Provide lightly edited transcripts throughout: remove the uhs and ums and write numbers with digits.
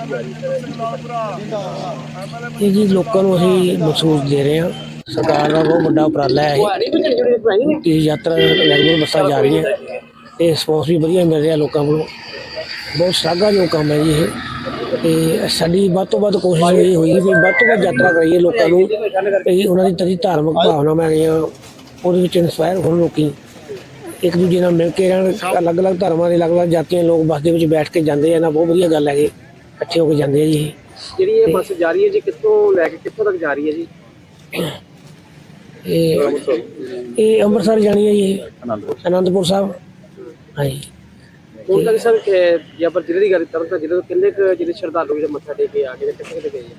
ਇਹ ਜੀ ਲੋਕਾਂ ਨੂੰ ਅਸੀਂ ਮਹਿਸੂਸ ਦੇ ਰਹੇ ਹਾਂ। ਸਰਕਾਰ ਦਾ ਬਹੁਤ ਵੱਡਾ ਉਪਰਾਲਾ ਹੈ ਇਹ ਯਾਤਰਾ ਰੈਗੂਲਰ ਬੱਸਾਂ ਜਾ ਰਹੀਆਂ ਅਤੇ ਰਿਸਪੌਂਸ ਵੀ ਵਧੀਆ ਮਿਲ ਰਿਹਾ ਲੋਕਾਂ ਕੋਲੋਂ। ਬਹੁਤ ਸ਼ਲਾਘਾਯੋਗ ਕੰਮ ਹੈ ਜੀ ਇਹ। ਅਤੇ ਸਾਡੀ ਵੱਧ ਤੋਂ ਵੱਧ ਕੋਸ਼ਿਸ਼ ਇਹ ਹੋਈ ਵੀ ਵੱਧ ਤੋਂ ਵੱਧ ਯਾਤਰਾ ਕਰਾਈਏ ਲੋਕਾਂ ਨੂੰ, ਵੀ ਉਹਨਾਂ ਦੀ ਤਦੀ ਧਾਰਮਿਕ ਭਾਵਨਾਵਾਂ ਹੈਗੀਆਂ ਉਹਦੇ ਵਿੱਚ ਇੰਸਪਾਇਰ ਹੋਣ, ਲੋਕੀ ਇੱਕ ਦੂਜੇ ਨਾਲ ਮਿਲ ਕੇ ਰਹਿਣ। ਅਲੱਗ ਅਲੱਗ ਧਰਮਾਂ ਦੇ ਅਲੱਗ ਅਲੱਗ ਜਾਤੀਆਂ ਲੋਕ ਬੱਸ ਦੇ ਵਿੱਚ ਬੈਠ ਕੇ ਜਾਂਦੇ ਆ ਨਾ, ਬਹੁਤ ਵਧੀਆ ਗੱਲ ਹੈਗੀ, ਇਕੱਠੇ ਹੋ ਕੇ ਜਾਂਦੇ ਆ ਜੀ। ਜਿਹੜੀ ਇਹ ਬੱਸ ਜਾ ਰਹੀ ਹੈ ਜੀ, ਕਿੱਥੋਂ ਲੈ ਕੇ ਕਿੱਥੋਂ ਤੱਕ ਜਾ ਰਹੀ ਹੈ ਜੀ? ਇਹ ਅੰਮ੍ਰਿਤਸਰ ਜਾਣੀ ਹੈ ਜੀ, ਅਨੰਦਪੁਰ ਸਾਹਿਬ। ਹਾਂਜੀ, ਹੁਣ ਤੱਕ ਸਰ ਜੇ ਆਪਾਂ ਜ਼ਿਲ੍ਹੇ ਦੀ ਗੱਲ ਕਰਾਂ ਤਾਂ ਜ਼ਿਲ੍ਹੇ ਤੋਂ ਕਿੰਨੇ ਕੁ ਜਿਹੜੇ ਸ਼ਰਧਾਲੂ ਜਿਹੜੇ ਮੱਥਾ ਟੇਕ ਕੇ ਆ ਗਏ, ਕਿੱਥੇ ਕਿੱਥੇ ਗਏ ਜੀ?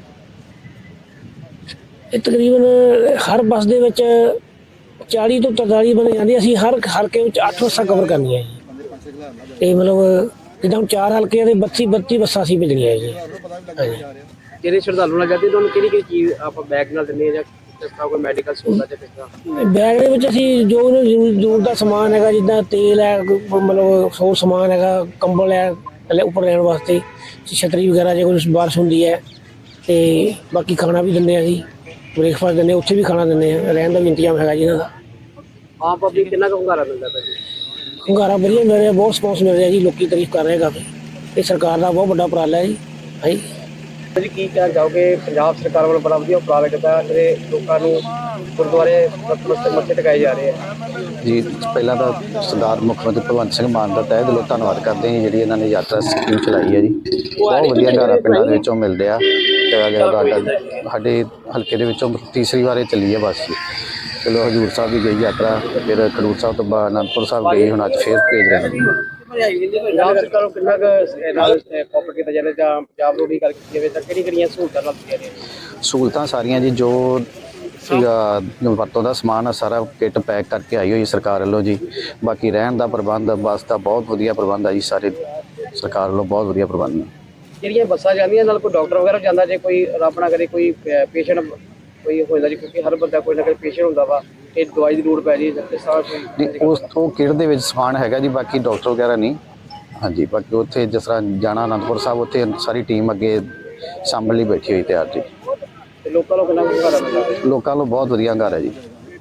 ਇਹ ਤਕਰੀਬਨ ਹਰ ਬੱਸ ਦੇ ਵਿੱਚ 40 ਤੋਂ 43 ਬੰਦੇ ਜਾਂਦੇ। ਅਸੀਂ ਹਰ ਹਲਕੇ ਵਿੱਚ 8 ਬੱਸਾਂ ਕਵਰ ਕਰਨੀਆਂ ਜੀ। ਅਤੇ ਮਤਲਬ ਜਿੱਦਾਂ ਹੁਣ 4 ਹਲਕੇ ਦੇ 32 ਬੱਸਾਂ ਅਸੀਂ ਭੇਜਣੀਆਂ ਜੀ। ਹਾਂਜੀ, ਜਿਹੜੇ ਸ਼ਰਧਾਲੂ ਨਾਲ ਜਾਂਦੇ ਤੁਹਾਨੂੰ ਕਿਹੜੀ ਕਿਹੜੀ ਚੀਜ਼ ਆਪਾਂ ਬੈਗ ਨਾਲ ਦਿੰਦੇ ਹਾਂ, ਜਾਂ ਕਿਸ ਤਰ੍ਹਾਂ ਕੋਈ ਮੈਡੀਕਲ ਸਹੂਲਤ ਜਾਂ ਕਿਸ ਤਰ੍ਹਾਂ? ਬੈਗ ਦੇ ਵਿੱਚ ਅਸੀਂ ਜੋ ਉਹਨੂੰ ਜ਼ਰੂਰਤ ਦਾ ਸਮਾਨ ਹੈਗਾ, ਜਿੱਦਾਂ ਤੇਲ ਹੈ, ਮਤਲਬ ਸੌ ਸਮਾਨ ਹੈਗਾ, ਕੰਬਲ ਹੈ ਥੱਲੇ ਉੱਪਰ ਰਹਿਣ ਵਾਸਤੇ, ਛਤਰੀ ਵਗੈਰਾ ਜੇ ਕੋਈ ਬਾਰਿਸ਼ ਹੁੰਦੀ ਹੈ, ਅਤੇ ਬਾਕੀ ਖਾਣਾ ਵੀ ਦਿੰਦੇ ਹਾਂ ਅਸੀਂ, ਬ੍ਰੇਕਫਾਸਟ ਦਿੰਦੇ, ਉੱਥੇ ਵੀ ਖਾਣਾ ਦਿੰਦੇ ਹਾਂ, ਰਹਿਣ ਦਾ ਵੀ ਇੰਤਜ਼ਾਮ ਹੈਗਾ ਜੀ ਇਹਨਾਂ ਦਾ। ਆਮ ਪਬਲਿਕ ਕਿੰਨਾ ਕੁ ਹੁੰਗਾਰਾ ਮਿਲਦਾ ਭਾਜੀ? ਹੁੰਗਾਰਾ ਵਧੀਆ ਮਿਲ ਰਿਹਾ, ਬਹੁਤ ਰਿਸਪੌਂਸ ਮਿਲ ਰਿਹਾ ਜੀ, ਲੋਕੀ ਤਾਰੀਫ ਕਰ ਰਹੇ ਕਾਫੀ। ਇਹ ਸਰਕਾਰ ਦਾ ਬਹੁਤ ਵੱਡਾ ਉਪਰਾਲਾ ਹੈ ਜੀ। ਹਾਂਜੀ ਜੀ, ਕੀ ਕਹਿਣਾ ਚਾਹੋਗੇ? ਪੰਜਾਬ ਸਰਕਾਰ ਵੱਲੋਂ ਬੜਾ ਵਧੀਆ ਉਪਰਾਲਾ ਕੀਤਾ, ਜਿਹੜੇ ਲੋਕਾਂ ਨੂੰ ਗੁਰਦੁਆਰੇ ਮੱਥੇ ਟਿਕਾਏ ਜਾ ਰਹੇ ਆ ਜੀ। ਪਹਿਲਾਂ ਤਾਂ ਸਰਦਾਰ ਮੁੱਖ ਮੰਤਰੀ ਭਗਵੰਤ ਸਿੰਘ ਮਾਨ ਦਾ ਤਹਿ ਦਿਲੋਂ ਧੰਨਵਾਦ ਕਰਦੇ ਹਾਂ ਜਿਹੜੀ ਇਹਨਾਂ ਨੇ ਯਾਤਰਾ ਸਕੀਮ ਚਲਾਈ ਹੈ ਜੀ। ਬਹੁਤ ਵਧੀਆ ਹੁੰਗਾਰਾ ਪਿੰਡਾਂ ਦੇ ਵਿੱਚੋਂ ਮਿਲ ਰਿਹਾ। ਸਾਡੇ ਹਲਕੇ ਦੇ ਵਿੱਚੋਂ ਤੀਸਰੀ ਵਾਰ ਇਹ ਚੱਲੀ ਹੈ ਬੱਸ। ਚਲੋ ਹਜ਼ੂਰ ਸਾਹਿਬ ਵੀ ਗਈ ਯਾਤਰਾ, ਫਿਰ ਖਡੂਰ ਸਾਹਿਬ ਤੋਂ ਬਾਅਦ ਅਨੰਦਪੁਰ ਸਾਹਿਬ ਗਈ, ਹੁਣ ਅੱਜ ਫੇਰ ਭੇਜ ਰਹੇ ਨੇ। ਪੰਜਾਬ ਸਰਕਾਰ ਨੂੰ ਕਿੰਨਾ ਕੁ ਕੋਆਪਰੇਟ ਕੀਤਾ ਜਾਵੇ, ਜਾਂ ਪੰਜਾਬ ਨੂੰ ਵੀ ਗੱਲ ਕੀਤੀ ਜਾਵੇ ਤਾਂ ਕਿਹੜੀਆਂ ਸਹੂਲਤਾਂ ਨਾਲ ਦਿੱਤੀਆਂ ਨੇ? ਸਹੂਲਤਾਂ ਸਾਰੀਆਂ ਜੀ, ਜੋ ਵਰਤੋਂ ਦਾ ਸਮਾਨ ਆ ਸਾਰਾ ਕਿੱਟ ਪੈਕ ਕਰਕੇ ਆਈ ਹੋਈ ਸਰਕਾਰ ਵੱਲੋਂ ਜੀ। ਬਾਕੀ ਰਹਿਣ ਦਾ ਪ੍ਰਬੰਧ, ਬੱਸ ਦਾ ਬਹੁਤ ਵਧੀਆ ਪ੍ਰਬੰਧ ਆ ਜੀ, ਸਾਰੇ ਸਰਕਾਰ ਵੱਲੋਂ ਬਹੁਤ ਵਧੀਆ ਪ੍ਰਬੰਧ ਨੇ। ਜਿਹੜੀਆਂ ਬੱਸਾਂ ਜਾਂਦੀਆਂ ਨਾਲ ਕੋਈ ਡਾਕਟਰ ਵਗੈਰਾ ਜਾਂਦਾ, ਜੇ ਕੋਈ ਰੱਬ ਨਾ ਕਰੇ ਕੋਈ ਪੇਸ਼ੈਂਟ ਕੋਈ ਹੋ ਜਾਂਦਾ ਜੀ, ਕਿਉਂਕਿ ਹਰ ਬੰਦਾ ਕੋਈ ਨਾ ਕੋਈ ਪੇਸ਼ੈਂਟ ਹੁੰਦਾ ਵਾ, ਇਹ ਦਵਾਈ ਦੀ ਲੋੜ ਪੈ ਜੀ ਉਸ ਤੋਂ ਕਿਟ ਦੇ ਵਿੱਚ ਸਮਾਨ ਹੈਗਾ ਜੀ, ਬਾਕੀ ਡਾਕਟਰ ਵਗੈਰਾ ਨਹੀਂ। ਹਾਂਜੀ, ਬਾਕੀ ਉੱਥੇ ਜਿਸ ਤਰ੍ਹਾਂ ਜਾਣਾ ਅਨੰਦਪੁਰ ਸਾਹਿਬ, ਉੱਥੇ ਸਾਰੀ ਟੀਮ ਅੱਗੇ ਸਾਂਭਣ ਲਈ ਬੈਠੀ ਹੋਈ ਤਿਆਰ ਜੀ। ਲੋਕਾਂ ਨੂੰ ਕਿੰਨਾ ਹੁੰਗਾਰਾ ਮਿਲਦਾ? ਲੋਕਾਂ ਨੂੰ ਬਹੁਤ ਵਧੀਆ ਹੁੰਗਾਰਾ ਜੀ।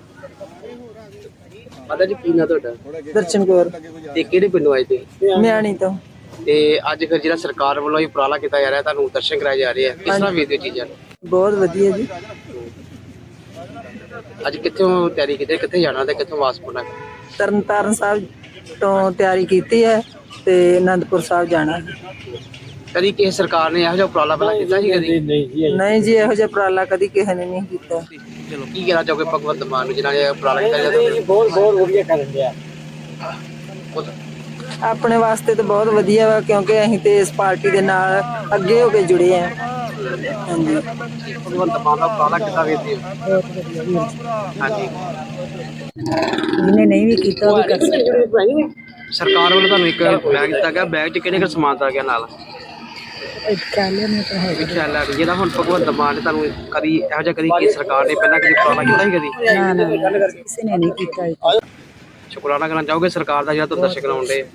ਮਾਤਾ ਜੀ, ਕੀ ਨਾਂ ਤੁਹਾਡਾ? ਦਰਸ਼ਨ ਕੌਰ। ਤੇ ਕਿਹੜੇ ਪਿੰਡੋਂ ਆਏ ਤੁਸੀਂ? ਮਿਆਣੀ ਤੋਂ। ਤੇ ਅੱਜ ਫਿਰ ਜਿਹੜਾ ਸਰਕਾਰ ਵੱਲੋਂ ਇਹ ਉਪਰਾਲਾ ਕੀਤਾ ਜਾ ਰਿਹਾ, ਤੁਹਾਨੂੰ ਦਰਸ਼ਨ ਕਰਾਏ ਜਾ ਰਹੇ ਆ, ਕਿਸ ਤਰ੍ਹਾਂ ਵੇਖਦੇ ਹੋ ਚੀਜ਼ਾਂ ਨੂੰ? ਬਹੁਤ ਵਧੀਆ ਜੀ। ਅੱਜ ਕਿੱਥੋਂ ਤਿਆਰੀ ਕੀਤੀ, ਕਿੱਥੇ ਜਾਣਾ ਤੇ ਕਿੱਥੋਂ ਵਾਪਸ ਮੁੜਨਾ? ਤਰਨਤਾਰਨ ਸਾਹਿਬ ਤੋਂ ਤਿਆਰੀ ਕੀਤੀ ਹੈ ਤੇ ਅਨੰਦਪੁਰ ਸਾਹਿਬ ਜਾਣਾ। ਕਦੀ ਕਿਸੇ ਸਰਕਾਰ ਨੇ ਇਹੋ ਜਿਹਾ ਉਪਰਾਲਾ ਪਹਿਲਾਂ ਕੀਤਾ ਸੀ ਕਦੀ? ਨਹੀਂ ਜੀ, ਇਹੋ ਜਿਹਾ ਉਪਰਾਲਾ ਕਦੀ ਕਿਸੇ ਨੇ ਨਹੀਂ ਕੀਤਾ। ਚਲੋ, ਕੀ ਕਹਿਣਾ ਚਾਹੋਗੇ ਭਗਵੰਤ ਮਾਨ ਨੂੰ, ਜਿਹਨਾਂ ਨੇ ਉਪਰਾਲਾ ਕੀਤਾ ਜਾਂਦਾ? ਬਹੁਤ ਵਧੀਆ ਕਰਨ ਡਿਆ। ਆਪਣੇ ਵਾਸਤੇ ਤਾਂ ਬਹੁਤ ਵਧੀਆ ਵਾ, ਕਿਉਂਕਿ ਅਸੀਂ ਤੇ ਇਸ ਪਾਰਟੀ ਦੇ ਨਾਲ ਅੱਗੇ ਹੋ ਕੇ ਜੁੜੇ ਆ। ਹਾਂਜੀ, ਭਗਵੰਤ ਮਾਨ ਦਾ ਉਪਰਾਲਾ ਕਿੱਦਾਂ ਵੇਖਦੇ ਹੋ? ਹਾਂਜੀ, ਜਿਹਨੇ ਨਹੀਂ ਵੀ ਕੀਤਾ ਉਹ ਵੀ ਕਰ ਸਕਦਾ। ਸਰਕਾਰ ਵੱਲੋਂ ਤੁਹਾਨੂੰ ਇੱਕ ਬੈਗ ਦਿੱਤਾ ਗਿਆ, ਬੈਗ 'ਚ ਕਿਹੜੇ ਕਿਹੜੇ ਸਮਾਨ ਦਿੱਤਾ ਗਿਆ ਨਾਲ? ਖਿਆਲਾ ਜਿਹੜਾ ਹੁਣ ਭਗਵੰਤ ਮਾਨ ਨੇ ਤੁਹਾਨੂੰ ਕਦੀ ਇਹੋ ਜਿਹਾ ਕਦੀ ਕਿ ਸਰਕਾਰ ਨੇ ਪਹਿਲਾਂ ਕਦੀ ਉਪਰਾਲਾ ਕੀਤਾ ਸੀ ਕਦੀ? ਨਾ, ਕਿਸੇ ਨੇ ਨਹੀਂ ਕੀਤਾ। ਸ਼ੁਕਰਾਨਾ ਕਰਨਾ ਚਾਹੋਗੇ ਸਰਕਾਰ ਦਾ ਜਿਹੜਾ ਤੁਸੀਂ ਦਰਸ਼ਕ ਕਰਾਉਣ ਦੇ?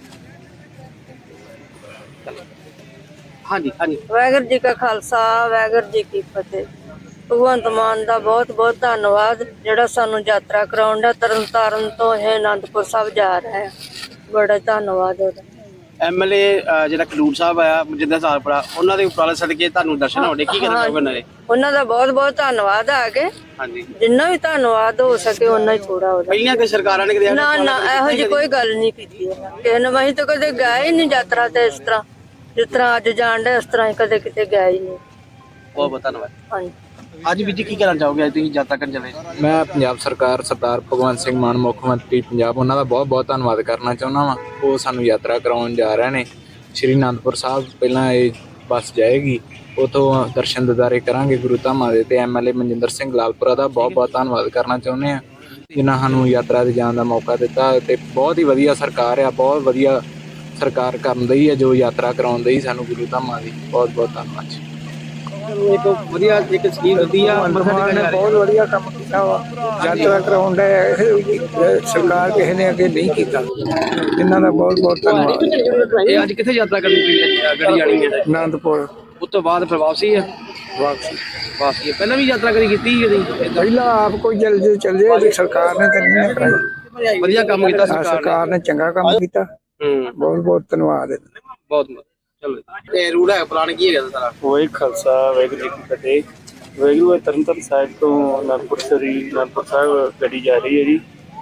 ਹਾਂਜੀ ਹਾਂਜੀ। ਵਾਹਿਗੁਰੂ ਜੀ ਕਾ ਖਾਲਸਾ, ਵਾਹਿਗੁਰੂ ਜੀ ਕੀ ਫਤਿਹ। ਭਗਵੰਤ ਮਾਨ ਦਾ ਬਹੁਤ ਬਹੁਤ ਧੰਨਵਾਦ, ਜਿਹੜਾ ਸਾਨੂੰ ਯਾਤਰਾ ਕਰਾਉਣ ਦਾ। ਤਰਨਤਾਰਨ ਤੋਂ ਇਹ ਅਨੰਦਪੁਰ ਸਾਹਿਬ ਜਾ ਰਿਹਾ ਹੈ, ਬੜਾ ਧੰਨਵਾਦ ਉਹਦਾ। ਐਮਐਲਏ ਜਿਹੜਾ ਖਡੂਰ ਸਾਹਿਬ ਆਇਆ ਮਨਜਿੰਦਰ ਸਾਲਪੜਾ, ਉਹਨਾਂ ਦੇ ਉਪਰਾਲੇ ਸਦਕੇ ਤੁਹਾਨੂੰ ਦਰਸ਼ਨ ਹੋਣੇ, ਕੀ ਕਹਿਣਾ ਚਾਹੋਗੇ ਉਹਨਾਂ ਦੇ? ਉਹਨਾਂ ਦਾ ਬਹੁਤ ਬਹੁਤ ਧੰਨਵਾਦ ਆ ਕੇ। ਹਾਂਜੀ, ਜਿੰਨਾ ਵੀ ਧੰਨਵਾਦ ਹੋ ਸਕੇ ਉਹਨਾਂ ਹੀ ਥੋੜਾ ਉਹਦਾ। ਪਹਿਲੀਆਂ ਕਿ ਸਰਕਾਰਾਂ ਨੇ ਕਦੇ ਨਾ ਨਾ, ਇਹੋ ਜਿਹੀ ਕੋਈ ਗੱਲ ਨਹੀਂ ਕੀਤੀ ਕਿਸੇ ਨੇ। ਅਸੀਂ ਤਾਂ ਕਦੇ ਗਏ ਹੀ ਨਹੀਂ ਯਾਤਰਾ ਤੇ, ਇਸ ਤਰ੍ਹਾਂ ਜਿਸ ਤਰ੍ਹਾਂ ਅੱਜ ਜਾਣ ਡੇ ਇਸ ਤਰ੍ਹਾਂ ਹੀ ਕਦੇ ਕਿਤੇ ਗਏ ਹੀ ਨਹੀਂ। ਬਹੁਤ ਬਹੁਤ ਧੰਨਵਾਦ। ਹਾਂਜੀ, ਅੱਜ ਵੀ ਜੀ ਕੀ ਕਹਿਣਾ ਚਾਹੋਗੇ, ਅੱਜ ਤੁਸੀਂ ਯਾਤਰਾ ਕਰਨ ਚੱਲੇ? ਮੈਂ ਪੰਜਾਬ ਸਰਕਾਰ ਸਰਦਾਰ ਭਗਵੰਤ ਸਿੰਘ ਮਾਨ ਮੁੱਖ ਮੰਤਰੀ ਪੰਜਾਬ, ਉਹਨਾਂ ਦਾ ਬਹੁਤ ਬਹੁਤ ਧੰਨਵਾਦ ਕਰਨਾ ਚਾਹੁੰਦਾ ਵਾਂ। ਉਹ ਸਾਨੂੰ ਯਾਤਰਾ ਕਰਾਉਣ ਜਾ ਰਹੇ ਨੇ ਸ਼੍ਰੀ ਅਨੰਦਪੁਰ ਸਾਹਿਬ। ਪਹਿਲਾਂ ਇਹ ਬੱਸ ਜਾਏਗੀ, ਉੱਥੋਂ ਦਰਸ਼ਨ ਦਿਦਾਰੇ ਕਰਾਂਗੇ ਗੁਰੂ ਧਾਮਾਂ ਦੇ। ਤੇ ਐਮਐਲਏ ਮਨਜਿੰਦਰ ਸਿੰਘ ਲਾਲਪੁਰਾ ਦਾ ਬਹੁਤ ਬਹੁਤ ਧੰਨਵਾਦ ਕਰਨਾ ਚਾਹੁੰਦੇ ਹਾਂ, ਜਿਨ੍ਹਾਂ ਸਾਨੂੰ ਯਾਤਰਾ 'ਤੇ ਜਾਣ ਦਾ ਮੌਕਾ ਦਿੱਤਾ। ਤੇ ਬਹੁਤ ਹੀ ਵਧੀਆ ਸਰਕਾਰ ਆ, ਬਹੁਤ ਵਧੀਆ ਸਰਕਾਰ ਕਰਨ ਦੀ ਹੈ ਜੋ ਯਾਤਰਾ ਕਰਾਉਣ ਦੀ ਸਾਨੂੰ ਗੁਰੂ ਧਾਮਾਂ ਦੀ। ਬਹੁਤ ਬਹੁਤ ਧੰਨਵਾਦ ਜੀ। ਚਲੋ ਇੱਕ ਵਧੀਆ ਇੱਕ ਸਕੀਮ ਦਿੱਤੀ ਆ ਮੱਥਾ ਟੇਕਿਆ ਜਾ ਰਿਹਾ। ਬਹੁਤ ਵਧੀਆ ਕੰਮ ਕੀਤਾ ਵਾ ਯਾਤਰਾ ਕਰਾਉਣ ਦਾ ਸਰਕਾਰ ਕਿਸੇ ਨੇ ਅੱਗੇ ਨਹੀਂ ਕੀਤਾ ਇਹਨਾਂ ਦਾ ਬਹੁਤ ਬਹੁਤ ਧੰਨਵਾਦ। ਇਹ ਅੱਜ ਕਿੱਥੇ ਯਾਤਰਾ ਕਰਨੀ ਪਈ ਗੱਡੀ ਜਾਣੀ ਹੈ? ਆਨੰਦਪੁਰ ਉਸ ਤੋਂ ਬਾਅਦ ਫਿਰ ਵਾਪਸੀ ਹੈ। ਵਾਪਸੀ ਵਾਪਸੀ ਹੈ। ਪਹਿਲਾਂ ਵੀ ਯਾਤਰਾ ਕਰੀ ਕੀਤੀ ਕਦੀ? ਪਹਿਲਾਂ ਆਪ ਕੋਈ ਜਲਦੀ ਚੱਲੇ ਸਰਕਾਰ ਨੇ ਤਾਂ ਨਹੀਂ ਕਰਾਈ। ਵਧੀਆ ਕੰਮ ਕੀਤਾ ਸਰਕਾਰ ਨੇ ਚੰਗਾ ਕੰਮ ਕੀਤਾ। ਬਹੁਤ ਬਹੁਤ ਧੰਨਵਾਦ। ਬਹੁਤ ਚਲੋ ਤੇ ਰੂਲ ਹੈ ਪਲਾਨ ਕੀ ਹੈਗਾ ਸਾਰਾ? ਵਾਹਿਗੁਰੂ ਖਾਲਸਾ ਵਾਹਿਗੁਰੂ ਜੀ ਕੀ ਫਤਿਹ। ਵਾਹਿਗੁਰੂ ਤਰਨਤਾਰਨ ਸਾਹਿਬ ਤੋਂ ਅਨੰਦਪੁਰ ਸਾਹਿਬ ਗੱਡੀ ਜਾ ਰਹੀ ਹੈ ਜੀ।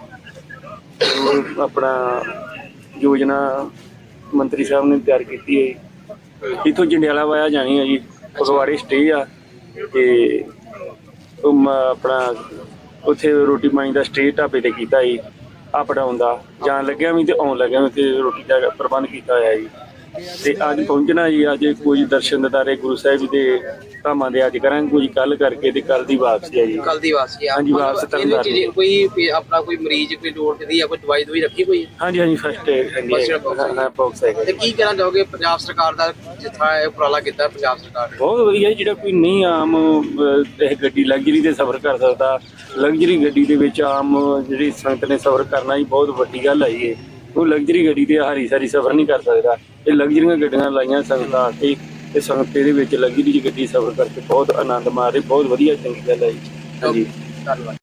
ਆਪਣਾ ਯੋਜਨਾ ਮੰਤਰੀ ਸਾਹਿਬ ਨੇ ਤਿਆਰ ਕੀਤੀ ਹੈ। ਇੱਥੋਂ ਜੰਡਿਆਲਾ ਵਾਇਆ ਜਾਣੀ ਹੈ ਜੀ। ਫਗਵਾੜੇ ਸਟੇ ਆ ਤੇ ਆਪਣਾ ਉੱਥੇ ਰੋਟੀ ਪਾਣੀ ਦਾ ਸਟੇ ਢਾਬੇ ਤੇ ਕੀਤਾ ਜੀ। ਅਪ ਡਾਊਨ ਦਾ ਜਾਣ ਲੱਗਿਆ ਵੀ ਤੇ ਆਉਣ ਲੱਗਿਆ ਵੀ ਤੇ ਰੋਟੀ ਦਾ ਪ੍ਰਬੰਧ ਕੀਤਾ ਹੋਇਆ ਜੀ। ਤੇ ਅੱਜ ਪਹੁੰਚਣਾ ਜੀ। ਅੱਜ ਕੁਝ ਦਰਸ਼ਨ ਦਿਦਾਰੇ ਗੁਰੂ ਸਾਹਿਬ ਜੀ ਦੇ ਧਾਮਾਂ ਦੇ ਅੱਜ ਕਰਾਂਗੇ, ਕੁਝ ਕੱਲ ਕਰਕੇ ਤੇ ਕੱਲ ਦੀ ਵਾਪਸੀ ਹੈ ਜੀ। ਕੱਲ ਦੀ ਵਾਪਸੀ ਆ। ਹਾਂਜੀ, ਵਾਪਸ ਤਰਨਤਾਰਨ। ਕੋਈ ਆਪਣਾ ਕੋਈ ਮਰੀਜ਼ ਕੋਈ ਲੋੜ ਪੈਂਦੀ ਆ ਕੋਈ ਦਵਾਈ ਦਵਾਈ ਰੱਖੀ ਕੋਈ? ਹਾਂਜੀ ਹਾਂਜੀ, ਫਸਟ ਬਾਕਸ ਹੈ। ਤੇ ਕੀ ਕਹਿਣਾ ਚਾਹੋਗੇ ਪੰਜਾਬ ਸਰਕਾਰ ਦਾ ਜਿੱਥਾ ਇਹ ਉਪਰਾਲਾ ਕੀਤਾ ਪੰਜਾਬ ਸਰਕਾਰ ਨੇ? ਬਹੁਤ ਵਧੀਆ ਜੀ। ਜਿਹੜਾ ਕੋਈ ਨਹੀਂ ਆਮ ਇਹ ਗੱਡੀ ਲਗਜ਼ਰੀ ਤੇ ਸਫ਼ਰ ਕਰ ਸਕਦਾ, ਲਗਜ਼ਰੀ ਗੱਡੀ ਦੇ ਵਿੱਚ ਆਮ ਜਿਹੜੀ ਸੰਗਤ ਨੇ ਸਫ਼ਰ ਕਰਨਾ ਜੀ ਬਹੁਤ ਵੱਡੀ ਗੱਲ ਆਈ ਹੈ। ਉਹ ਲਗਜ਼ਰੀ ਗੱਡੀ ਤੇ ਹਰੀ ਸਾਰੀ ਸਫ਼ਰ ਨਹੀਂ ਕਰ ਸਕਦਾ। ਇਹ ਲਗਜ਼ਰੀਆਂ ਗੱਡੀਆਂ ਲਾਈਆਂ ਸੰਗਤਾਂ ਤੇ ਇਹ ਸੰਗਤ ਦੇ ਵਿੱਚ ਲਗਜ਼ਰੀ ਗੱਡੀ ਸਫ਼ਰ ਕਰਕੇ ਬਹੁਤ ਆਨੰਦ ਮਾਰੇ। ਬਹੁਤ ਵਧੀਆ ਚੰਗੀ ਗੱਲ ਹੈ ਜੀ। ਹਾਂਜੀ, ਧੰਨਵਾਦ।